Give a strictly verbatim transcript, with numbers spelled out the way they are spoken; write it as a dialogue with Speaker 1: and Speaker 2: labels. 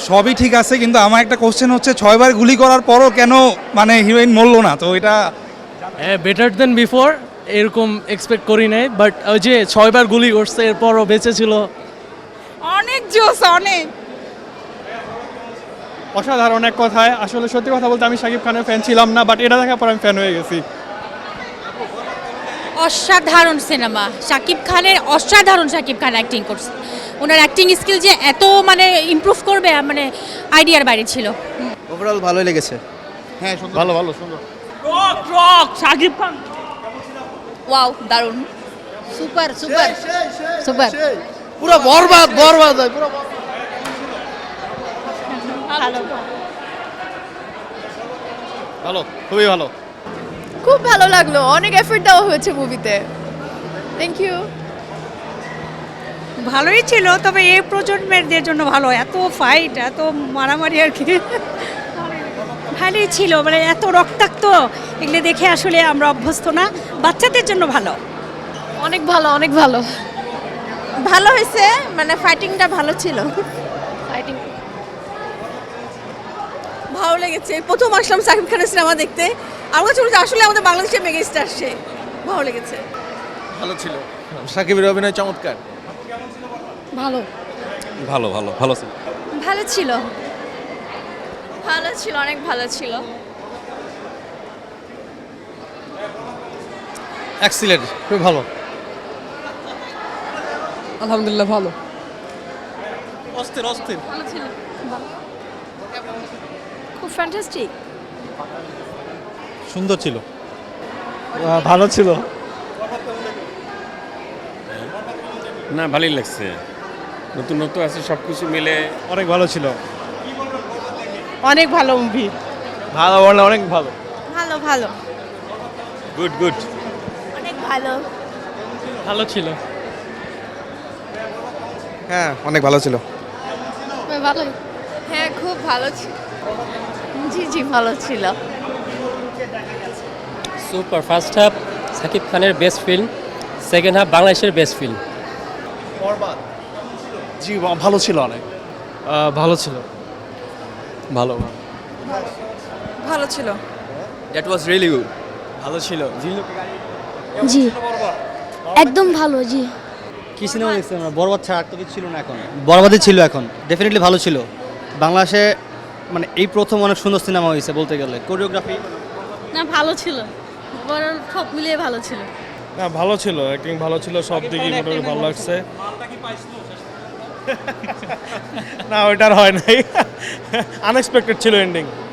Speaker 1: সবই ঠিক আছে, কিন্তু আমার একটা কোশ্চেন হচ্ছে ছয়বার গুলি করার পরও কেন মানে হিরোইন মরলো না, তো এটা
Speaker 2: হ্যাঁ, বেটার দেন বিফোর, এরকম এক্সপেক্ট করি নাই। বাট ওই যে ছয়বার গুলি করছে এরপরও বেঁচে ছিল।
Speaker 3: অনেক জোস, অনেক
Speaker 4: অসাধারণ এক কথায়। আসলে সত্যি কথা বলতে আমি শাকিব খানের ফ্যান ছিলাম না, বাট এটা দেখার পর আমি ফ্যান হয়ে গেছি।
Speaker 5: অসাধারণ সিনেমা, শাকিব খানের অসাধারণ। শাকিব খান অ্যাক্টিং করছে, ওনার অ্যাক্টিং স্কিল যে এত মানে ইমপ্রুভ করবে মানে আইডিয়ার বাইরে ছিল।
Speaker 6: ওভারঅল ভালোই লেগেছে।
Speaker 1: হ্যাঁ
Speaker 4: ভালো ভালো সুন্দর।
Speaker 3: Rock rock Shakib Khan.
Speaker 5: Wow, দারুণ, সুপার সুপার সুপার।
Speaker 6: পুরো বরবাদ বরবাদ হয় পুরো।
Speaker 5: ভালো,
Speaker 4: ভালো, খুবই ভালো।
Speaker 7: খুব ভালো লাগলো, অনেক এফর্ট দেওয়া হয়েছে মুভিতে। Thank you.
Speaker 3: ভালোই ছিল, তবে এই প্রজন্মের জন্য ভালো, এত ফাইট, এত মারামারি আর কি ভালোই ছিল, মানে এত রক্তাক্ত এগুলো দেখে আসলে আমরা অভ্যস্ত না, বাচ্চাদের জন্য ভালো।
Speaker 7: অনেক ভালো, অনেক ভালো।
Speaker 5: ভালো হয়েছে, মানে ফাইটিংটা ভালো ছিল।
Speaker 7: ফাইটিং
Speaker 5: ভালো লেগেছে, প্রথম আসলাম শাকিব খানের সিনেমা দেখতে। আমার কাছে মনে হচ্ছে আসলে আমাদের বাংলাদেশের মেগা স্টার সে। ভালো লেগেছে।
Speaker 6: ভালো ছিল, শাকিবের অভিনয় চমৎকার।
Speaker 5: ভালো
Speaker 1: ভালো ভালো ভালো ছিল।
Speaker 5: ভালো ছিল ভালো ছিল অনেক ভালো ছিল।
Speaker 6: এক্সিলেন্ট, খুব ভালো।
Speaker 7: আলহামদুলিল্লাহ ভালো।
Speaker 4: অস্থির অস্থির।
Speaker 5: ভালো ছিল, খুব ফ্যান্টাস্টিক।
Speaker 1: সুন্দর ছিল।
Speaker 4: ভালো ছিল।
Speaker 8: না, ভালোই লাগছে, নতুন নতুন আছে সব কিছু মিলে
Speaker 4: অনেক ভালো ছিল।
Speaker 3: অনেক ভালো মুভি।
Speaker 4: ভালো বললে অনেক ভালো।
Speaker 5: ভালো ভালো
Speaker 8: গুড গুড।
Speaker 5: অনেক ভালো।
Speaker 2: ভালো ছিল।
Speaker 6: হ্যাঁ, অনেক ভালো ছিল।
Speaker 7: ভালোই।
Speaker 5: হ্যাঁ, খুব ভালো ছিল।
Speaker 7: জি জি ভালো ছিল।
Speaker 2: সুপার। ফার্স্ট হাফ শাকিব খানের বেস্ট ফিল্ম, সেকেন্ড হাফ বাংলাদেশের বেস্ট ফিল্ম।
Speaker 4: জি ভালো ছিল অনেক। ভালো ছিল। ভালো
Speaker 5: ভালো ছিল।
Speaker 6: That was really good.
Speaker 4: ভালো ছিল।
Speaker 9: জি একদম ভালো। জি
Speaker 6: কি সিনেমা দেখছি আমরা? বরবাদ ছাড়া আর তো কিছু ছিল না এখন। বরবাদই ছিল এখন। ডেফিনেটলি ভালো ছিল। বাংলাদেশে মানে এই প্রথম অনেক সুন্দর সিনেমা হয়েছে বলতে গেলে। কোরিওগ্রাফি
Speaker 5: না, ভালো ছিল, বড় সব মিলিয়ে ভালো ছিল।
Speaker 4: না, ভালো ছিল, অ্যাক্টিং ভালো ছিল, সব দিকই মোটামুটি ভালো লাগছে। না, ওইটার হয় নাই, আনএক্সপেক্টেড ছিল এন্ডিং।